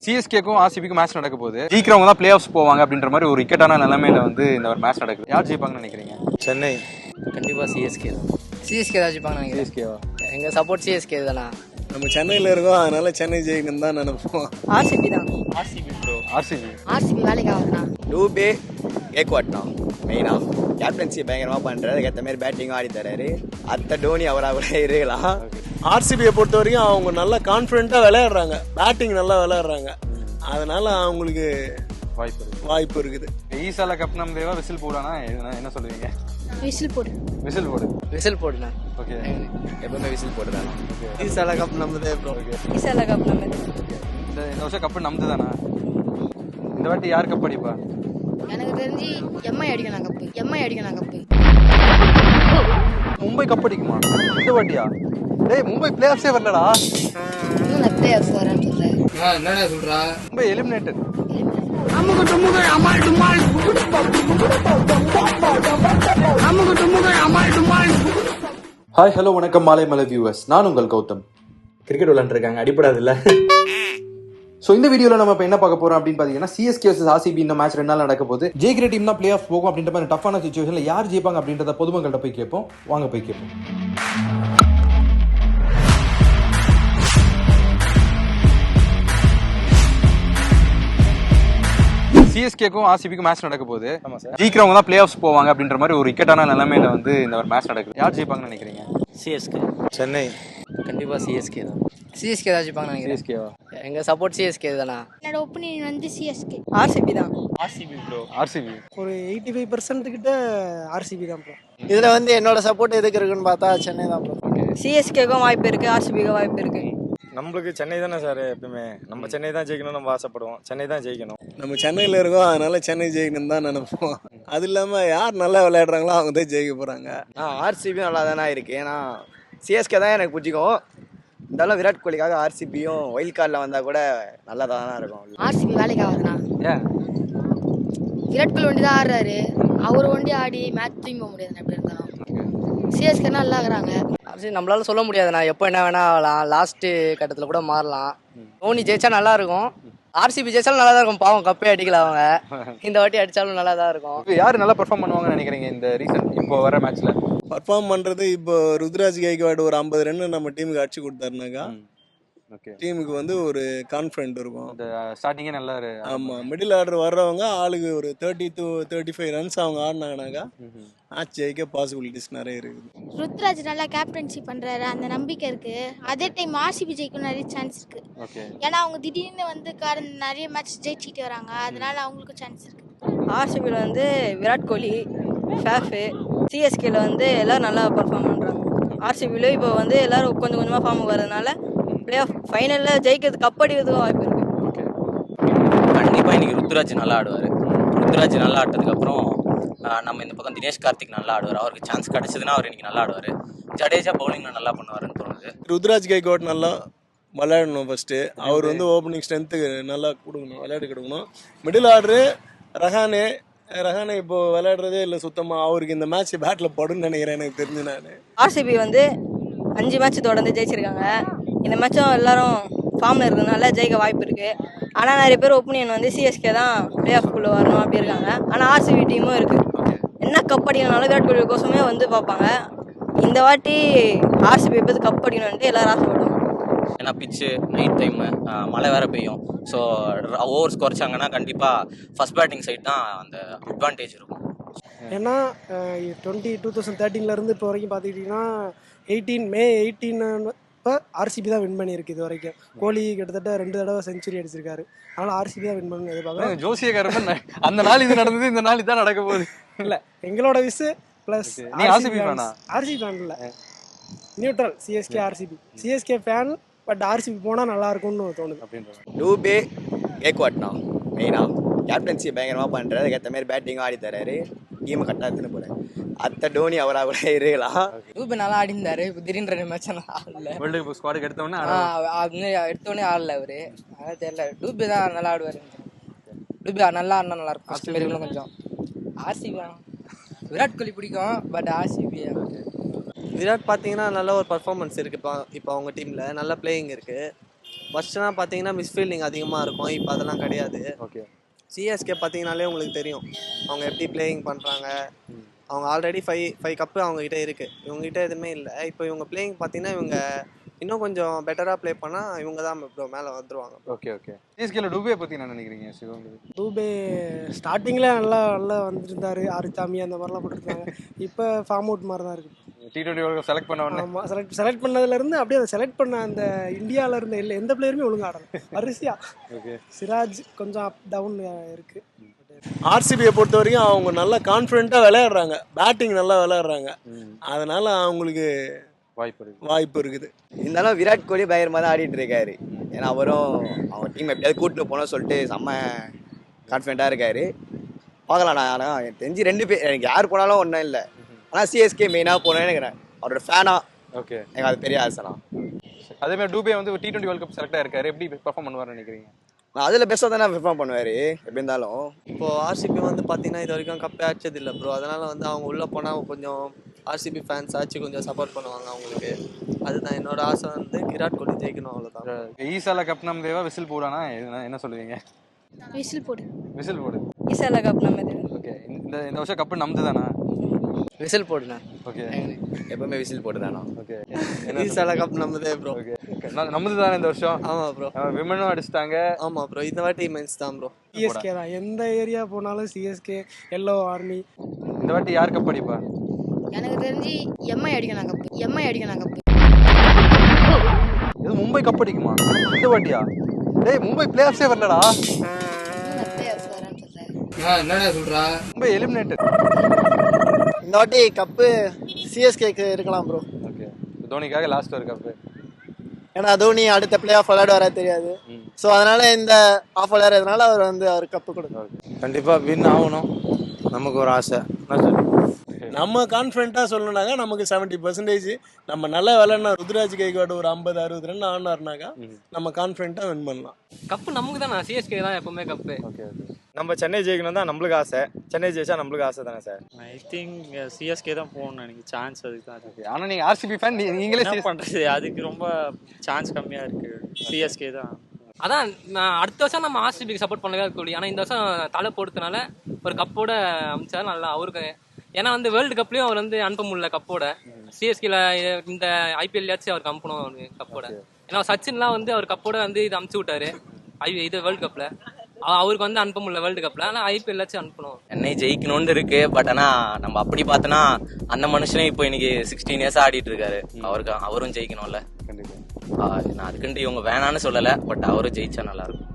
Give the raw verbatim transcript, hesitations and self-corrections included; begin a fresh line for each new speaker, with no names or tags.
சிஎஸ்கேக்கும் ஆர்சிபிக்கும் match நடக்க போகுது. ஜெயிக்கிறவங்க தான் பிளே ஆஃப்ஸ் போவாங்க அப்படின்ற மாதிரி ஒரு இக்கட்டான நிலைமையில வந்து இந்த ஒரு மேட்ச் நடக்குது. யார் ஜெயிப்பாங்கன்னு நினைக்கிறீங்க?
சென்னை
கண்டிப்பாக சிஎஸ்கே தான். சிஎஸ்கே தான் ஜெயிப்பாங்கன்னு நினைக்கிறேன்.
சிஎஸ்கேவா?
எங்கள் சப்போர்ட் சிஎஸ்கே தானா.
நம்ம சென்னையில் இருக்கோம், அதனால சென்னை ஜெயிக்கணும் தான் நினைப்போம்.
ஆர்சிபி தான்.
RCB bro. ஆர்சிபி
ஆர்சிபி வேலைக்கு ஆகுதுண்ணா.
டூபே கேக்வாட்னா மெயினா கேப்டன்சி பயங்கரமாக பண்ணுறாரு. அதுக்கேற்ற மாதிரி பேட்டிங்கும் ஆடி தராரு. அத்தை டோனி அவராக கூட இருக்கலாம்.
ஆர்சிபியை பொறுத்த வரைக்கும் அவங்க நல்லா கான்ஃபிடென்ட்டாக விளையாடுறாங்க, பேட்டிங் நல்லா விளையாடுறாங்க, அதனால அவங்களுக்கு
வாய்ப்பு இருக்கு.
வாய்ப்பு இருக்குது.
ஈசால கப் நம்பேவா விசில் போடானா என்ன சொல்லுவீங்க?
விசில் போடு.
விசில் போடு.
விசில் போடுண்ணா.
ஓகே.
எப்பவுமே விசில் போட்டுதானா.
ஈசால கப் நம்மதே ப்ரோ.
விசால கப் நம்ம
இந்த இந்த வருஷம் கப்பு நம்பது தானா? இந்த வாட்டி யார் கப் அடிப்பா?
எனக்கு தெரிஞ்சு எம்ஐ அடிக்கணும் கப்பு. எம்ஐ அடிக்கணும் கப்பு.
மும்பை கப் அடிக்குமா இந்த வாட்டியா? டேய் மும்பை பிளே ஆஃப்ஸே வரலடா.
இன்னும் நான் பிளே ஆஃப்ஸ் வரேன்னு சொல்றேன்.
என்னடா சொல்கிறா?
மும்பை எலிமினேட்டட். ஹாய் ஹலோ வணக்கம் மாலை மலை வியூவர்ஸ், நான் உங்கள் கௌதம். கிரிக்கெட் விளையாண்டுருக்காங்க, அடிப்படாது இல்லை. ஸோ இந்த வீடியோவில் நம்ம இப்போ என்ன பார்க்க போகிறோம் அப்படின்னு பார்த்தீங்கன்னா, சிஎஸ்கே வர்சஸ் ஆர்சிபி இந்த மேட்ச் ரெண்டு நாள் நடக்க போகுது. ஜெயிக்கிற டீம் தான் பிளே ஆஃப் போகும் அப்படின்ற மாதிரி டஃப்பான சுச்சுவேஷனில் யார் ஜெயிப்பாங்க அப்படின்றத பொதுமக்கள்கிட்ட போய் கேட்போம். வாங்க போய் கேட்போம். சிஎஸ்கேக்கும் ஆர்சிபிக்கும் மேட்ச் நடக்க போகுது. ஜெயிக்கிறவங்க தான் பிளே ஆஃப்ஸ் போவாங்க அப்படின்ற மாதிரி ஒரு இக்கட்டான நிலைமையில வந்து இந்த ஒரு மேட்ச் நடக்குது. யார் ஜெயிப்பாங்கன்னு நினைக்கிறீங்க?
சிஎஸ்கே.
சென்னை
கண்டிப்பாக சிஎஸ்கே தான். சிஎஸ்கே தான் ஜெயிப்பாங்கன்னு நினைக்கிறேன்.
சிஎஸ்கேவா?
எங்கள் சப்போர்ட் சிஎஸ்கே தானா.
என்னோட ஒப்பீனியன் வந்து சிஎஸ்கே.
ஆர்சிபி தான்.
RCB bro. ஆர்சிபி
ஒரு எயிட்டி ஃபைவ் பர்சன்ட் கிட்ட ஆர்சிபி தான் ப்ரோ.
இதில் வந்து என்னோட சப்போர்ட் எதுக்கு இருக்குன்னு பார்த்தா சென்னை தான் ப்ரோ.
சிஎஸ்கேக்கும் வாய்ப்பு இருக்கு, ஆர்சிபிக்கும் வாய்ப்பு இருக்கு.
நம்மளுக்கு சென்னை தானே சார் எப்பவுமே. நம்ம சென்னை தான் ஜெயிக்கணும், நம்ம ஆசைப்படுவோம். சென்னை தான் ஜெயிக்கணும்.
நம்ம சென்னையில் இருக்கோம், அதனால சென்னை ஜெயிக்கணும் தான் நினைப்போம். அது இல்லாமல் யார் நல்லா விளையாடுறாங்களோ அவங்க தான் ஜெயிக்க போகிறாங்க.
ஆ ஆர்சிபியும் நல்லா தானே இருக்குது. ஏன்னா சிஎஸ்கே தான் எனக்கு பிடிக்கும். இருந்தாலும் விராட் கோலிக்காக ஆர்சிபியும் ஒயில்ட் கார்டில் வந்தால் கூட நல்லா தானே இருக்கும்.
ஆர்சிபி வேலைக்கு ஆகுதுண்ணா.
ஏன்?
விராட் கோலி ஒண்டி தான் ஆடுறாரு. அவர் ஒண்டி ஆடி மேட்ச் தூங்க முடியாது எப்படி இருந்தாலும். சிஎஸ்கே நல்லா ஆகுறாங்க.
சரி, நம்மளால சொல்ல முடியாதுண்ணா. எப்போ என்ன வேணா ஆகலாம். லாஸ்ட்டு கட்டத்தில் கூட மாறலாம். தோனி ஜெயிச்சா நல்லா இருக்கும். ஆர்சிபி ஜெயிச்சாலும் நல்லா தான் இருக்கும். பாவம் கப்பே அடிக்கல அவங்க. இந்த வாட்டி அடித்தாலும் நல்லா தான் இருக்கும்.
யார் நல்லா பெர்ஃபார்ம் பண்ணுவாங்கன்னு நினைக்கிறீங்க இந்த ரீசன் இப்போ வர மேட்ச்ல?
பர்ஃபார்ம் பண்ணுறது இப்போ ருத்ராஜ் கைக்வாட் ஒரு ஐம்பது ரன் நம்ம டீமுக்கு அடிச்சு கொடுத்தாருனாக்கா
ஓகே,
டீமுக்கு வந்து ஒரு கான்ஃபிடென்ட் இருக்கும்.
இந்த ஸ்டார்டிங்கே நல்லா.
ஆமாம், மிடில் ஆர்டர் வர்றவங்க ஆளுக்கு ஒரு thirty to thirty five runs அவங்க ஆடினாங்கனாக்கா மேட்ச் ஜெயிக்க பாசிபிலிட்டிஸ் நிறைய இருக்குது.
ருத்ராஜ் நல்லா கேப்டன்சி பண்றாரு, அந்த நம்பிக்கை இருக்கு. அதே டைம் ஆர்சிபி ஜெயிக்கும் நிறைய சான்ஸ் இருக்கு.
ஓகே,
ஏன்னா அவங்க திடீர்னு வந்து கடந்த நிறைய மேட்ச் ஜெயிச்சுட்டு வராங்க, அதனால அவங்களுக்கு சான்ஸ் இருக்கு.
ஆர்சிபியில் வந்து விராட் கோலி, ஃபேஃபு, சிஎஸ்கேல வந்து எல்லாரும் நல்லா பர்ஃபார்ம் பண்ணுறாங்க. ஆர்சிபியில் இப்போ வந்து எல்லாரும் கொஞ்சம் கொஞ்சமாக ஃபார்முக்கு வரதுனால பிளே ஆஃப் ஃபைனலில் ஜெயிக்கிறது கப் அடிக்கிறதுக்கும் வாய்ப்பு இருக்குது.
கண்டிப்பாக இன்றைக்கி ருத்ராஜ் நல்லா ஆடுவார். ருத்ராஜ் நல்லா ஆட்டதுக்கப்புறம் நம்ம இந்த பக்கம் தினேஷ் கார்த்திக் நல்லா ஆடுவார். அவருக்கு சான்ஸ் கிடச்சதுன்னா அவர் இன்றைக்கி நல்லா ஆடுவார். ஜடேஜா பவுலிங்கில் நல்லா பண்ணுவாருன்னு தோணுது.
ருத்ராஜ் கைக்வாட் நல்லா விளையாடணும். ஃபஸ்ட்டு அவர் வந்து ஓப்பனிங் ஸ்ட்ரென்த்துக்கு நல்லா கொடுக்கணும், விளையாடி கொடுக்கணும். மிடில் ஆர்டரு ரஹானே ரஹானே இப்போ விளையாடுறதே இல்லை சுத்தமாக. அவருக்கு இந்த மேட்ச் பேட்டில் படுன்னு நினைக்கிறேன் எனக்கு தெரிஞ்சு. நான்
ஆர்சிபி வந்து அஞ்சு மேட்ச் தொடர்ந்து ஜெயிச்சிருக்காங்க. இந்த மேட்சும் எல்லாரும் ஃபார்மில் இருக்கிறதுனால ஜெயிக்க வாய்ப்பு இருக்குது. ஆனால் நிறைய பேர் ஒப்பீனியன் வந்து சிஎஸ்கே தான் பிளே ஆஃப்குள்ளே வரணும் அப்படி இருக்காங்க. ஆனால் ஆர்சிபி டீமும் இருக்குது. என்ன கப் அடிக்கணும்னாலும் விராட் கோலி கோசமே வந்து பார்ப்பாங்க. இந்த வாட்டி ஆர்சிபி எப்போது கப் அடிக்கணும்ட்டு எல்லாரும் ஆசைப்படுவாங்க.
ஏன்னா பிச்சு நைட் டைமு, மழை வேறு பெய்யும். ஸோ ஓவர்ஸ் குறைச்சாங்கன்னா கண்டிப்பாக ஃபஸ்ட் பேட்டிங் சைட் தான் அந்த அட்வான்டேஜ் இருக்கும்.
ஏன்னா டுவெண்ட்டி டூ தௌசண்ட் தேர்ட்டீன்லேருந்து இப்போ வரைக்கும் பார்த்துக்கிட்டிங்கன்னா எயிட்டீன் மே எயிட்டீன் இப்போ ஆர்சிபி தான் வின் பண்ணியிருக்கு இது வரைக்கும். கோலி கிட்டத்தட்ட ரெண்டு தடவை செஞ்சுரி அடிச்சிருக்காரு. அதனால் ஆர்சிபி தான் வின் பண்ணி எதிர்பார்க்குறேன்.
ஜோசியக்காரன் அந்த நாள் இது நடந்தது, இந்த நாள் இதான் நடக்க போகுது.
இல்லை, எங்களோட விஸ் ப்ளஸ் ஆர்சிபி ஃபேன் இல்லை, neutral. CSK RCB CSK fan, but RCB போனால் நல்லா இருக்கும்னு தோணுது அப்படின்ற.
டூபே கேக்வாட்னா மெயினா கேப்டன்சி பயங்கரமாக பண்ணுறாரு. அதுக்கேற்ற மாதிரி பேட்டிங்கும் ஆடி தராரு. டீமை கரெக்டாக எடுத்துன்னு போகிறேன். அத்தை டோனி அவராக கூட இருக்கலாம்.
டூபே நல்லா ஆடிந்தாரு. இப்போ திடீர்னு ரெண்டு மேட்ச் ஆடல.
வேர்ல்டு கப் ஸ்குவாடுக்கு எடுத்தோன்னே
அது எடுத்தோடனே ஆடல அவரு. அதான் தெரியல. டூபே தான் நல்லா ஆடுவார். டூபே நல்லா ஆடினா நல்லா இருக்கும். ஃபஸ்ட் மாரி இன்னும் கொஞ்சம். ஆர்சிபி விராட் கோலி பிடிக்கும், பட் ஆர்சிபி
விராட் பார்த்தீங்கன்னா நல்ல ஒரு பர்ஃபார்மன்ஸ் இருக்குது. இப்போ இப்போ அவங்க டீமில் நல்ல பிளேயிங் இருக்குது. ஃபர்ஸ்ட்லாம் பார்த்தீங்கன்னா மிஸ்ஃபீல்டிங் அதிகமாக இருக்கும், இப்போ அதெல்லாம் கிடையாது.
ஓகே.
சிஎஸ்கே பார்த்தீங்கனாலே உங்களுக்கு தெரியும் அவங்க எப்படி பிளேயிங் பண்ணுறாங்க. அவங்க ஆல்ரெடி ஃபைவ் ஃபைவ் கப்பு அவங்ககிட்ட இருக்குது, இவங்ககிட்ட எதுவுமே இல்லை. இப்போ இவங்க பிளேயிங் பார்த்தீங்கன்னா இவங்க இன்னும் கொஞ்சம் பெட்டராக ப்ளே பண்ணால் இவங்க தான் இப்போ மேலே வந்துடுவாங்க.
Okay okay. சிஎஸ்கேல டூபே பற்றி என்ன நினைக்கிறீங்க சிவம்?
டூபே ஸ்டார்டிங்கில் நல்லா நல்லா வந்துருந்தாரு, ஆறுச்சாமி அந்த மாதிரிலாம் போட்டுருந்தாங்க. இப்போ ஃபார்ம் அவுட் மாதிரி தான் இருக்குது.
டி டுவெண்ட்டி வேர்ல்டு செலக்ட் பண்ண உடனே
ஆமாம், செலக்ட் செலக்ட் பண்ணதுலேருந்து அப்படியே அதை செலக்ட் பண்ண அந்த இந்தியாவில் இருந்த இல்லை எந்த பிளேயருமே ஒழுங்காக ஆடல. வரிசையா
ஓகே.
சிராஜ் கொஞ்சம் அப் டவுன் இருக்குது.
ஆர்சிபியை பொறுத்த வரைக்கும் அவங்க நல்லா கான்ஃபிடென்ட்டாக விளையாடுறாங்க, பேட்டிங் நல்லா விளையாடுறாங்க, அதனால அவங்களுக்கு
வாய்ப்பு இருக்கு
வாய்ப்பு இருக்குது.
இருந்தாலும் விராட் கோலி பயங்கரமாக தான் ஆடிட்டு இருக்காரு. ஏன்னா அவரும் அவங்க டீம் எப்படியாவது கூட்டிட்டு போனோம்னு சொல்லிட்டு செம்ம கான்ஃபிடென்ட்டாக இருக்காரு. பார்க்கலாம். நான் ஆனால் எனக்கு தெரிஞ்சு ரெண்டு பேர் எனக்கு யார் போனாலும் ஒன்றும் இல்லை, ஆனால் சிஎஸ்கே மெயினாக போனேன்னு நினைக்கிறேன். அவரோட ஃபேனா.
ஓகே.
எனக்கு அது பெரிய ஆசைனா.
அதே மாதிரி டூபே வந்து T twenty world cup select ஆயிருக்காரு, எப்படி பெர்ஃபார்ம் பண்ணுவார்னு நினைக்கிறீங்க?
நான் அதில் பெஸ்ட்டாக தானே பெர்ஃபார்ம் பண்ணுவார் எப்படி இருந்தாலும்.
இப்போது ஆர்சிபி வந்து பார்த்தீங்கன்னா இது வரைக்கும் கப்பே அடிச்சது இல்லை ப்ரோ. அதனால் வந்து அவங்க உள்ளே போனால் கொஞ்சம் ஆர்சிபி ஃபேன்ஸ் ஆச்சு கொஞ்சம் சப்போர்ட் பண்ணுவாங்க அவங்களுக்கு. அதுதான் என்னோட ஆசை, வந்து விராட் கோலி ஜெயிக்கணும், அவ்வளோதான்.
ஈசால கப் நம்ம தேவா விசில் போடானா என்ன சொல்லுவீங்க?
விசில் போடு.
விசில் போடு.
ஈசால கப் நம்ம இது.
ஓகே. இந்த இந்த வருஷம் கப்பு நமது தானா?
விசில் போடுண்ணா.
ஓகே.
எப்பவுமே விசில் போட்டு தானா?
ஓகே.
ஈசால கப் நம்மதே ப்ரோ.
ஓகே. நமது தானே இந்த வருஷம்?
ஆமாம் ப்ரோ.
விமனும் அடிச்சிட்டாங்க.
ஆமாம் ப்ரோ, இந்த வாட்டி மென்ஸ் தான் ப்ரோ.
சிஎஸ்கே தான், எந்த ஏரியா போனாலும் சிஎஸ்கே, எல்லோ ஆர்மி.
இந்த வாட்டி யார் கப் அடிப்பா?
எனக்கு தெரிஞ்சு எம்ஐ அடிக்கணும் கப்பு, எம்ஐ அடிக்கணும் கப்பு.
இது மும்பை கப் அடிக்குமா இந்த வாட்டியா? டேய் மும்பை பிளே ஆஃப்ஸே வரலடா.
என்னடா சொல்றா?
மும்பை எலிமினேட்டட்.
இந்த வாட்டி கப்பு சிஎஸ்கேக்கு இருக்கலாம் ப்ரோ.
ஓகே. தோனிக்காக லாஸ்ட் ஒரு கப்பு.
ஏன்னா தோனி அடுத்த பிளே ஆஃப் விளையாட வர தெரியாது. ஸோ அதனால இந்த ஆஃப் விளையாடுறதுனால அவர் வந்து அவர் கப்பு கொடுக்கும்.
கண்டிப்பாக வின் ஆகணும், நமக்கு ஒரு ஆசை. நம்ம கான்ஃபிடென்ட்டாக சொல்லணுனாக்கா நமக்கு செவன்ட்டி பர்சன்டேஜ் நம்ம நல்லா விளையாடினா ருத்ராஜ் கைகாடு ஒரு ஐம்பது அறுபது ரன் ஆனாருனாக்கா நம்ம கான்ஃபிடென்ட்டாக வின் பண்ணலாம்.
கப்பு நமக்கு தான், சிஎஸ்கே தான் எப்பவுமே கப்பு.
Okay okay.
நம்ம சென்னை ஜெயிக்கணும் தான் நம்மளுக்கு ஆசை. சென்னை ஜெயிச்சா நம்மளுக்கு ஆசை தானே சார்?
ஐ திங்க் சிஎஸ்கே தான் போகணும் எனக்கு சான்ஸ். அதுக்கு தான்.
ஓகே. ஆனால் நீங்கள் ஆர்சிபி ஃபேன், நீங்களே
என்ன பண்ணுறது, அதுக்கு ரொம்ப சான்ஸ் கம்மியாக இருக்குது. சிஎஸ்கே தான்.
அதான் நான் அடுத்த வருஷம் நம்ம ஆர்சிபிக்கு சப்போர்ட் பண்ணவே இருக்கக்கூடிய, ஆனால் இந்த வருஷம் தலை போடுறதுனால ஒரு கப்போட அமைச்சா நல்லா அவருக்கு. ஏன்னா வந்து வேர்ல்டு கப்லேயும் அவர் வந்து அனுப்ப முடியல கப்போட. சிஎஸ்கேல இந்த ஐபிஎல்லையாச்சும் அவருக்கு அனுப்பணும் அவருக்கு கப்போட. ஏன்னா சச்சின்லாம் வந்து அவர் கப்போட வந்து இது அமுச்சு விட்டாரு ஐ இது வேர்ல்டு கப்பில். அவருக்கு வந்து அனுப்ப முடியல வேர்ல்டு கப்பில், ஆனால் ஐபிஎல்லாச்சும் அனுப்பணும்.
சென்னை ஜெயிக்கணும்னு இருக்கு. பட் ஆனால் நம்ம அப்படி பார்த்தோன்னா அந்த மனுஷனே இப்போ இன்னைக்கு சிக்ஸ்டீன் இயர்ஸ் ஆடிட்டு இருக்காரு. அவருக்கு அவரும் ஜெயிக்கணும்ல.
கண்டிப்பாக.
நான் அதுக்குன்ட்டு இவங்க வேணான்னு சொல்லலை, பட் அவரும் ஜெயிச்சா நல்லா இருக்கும்.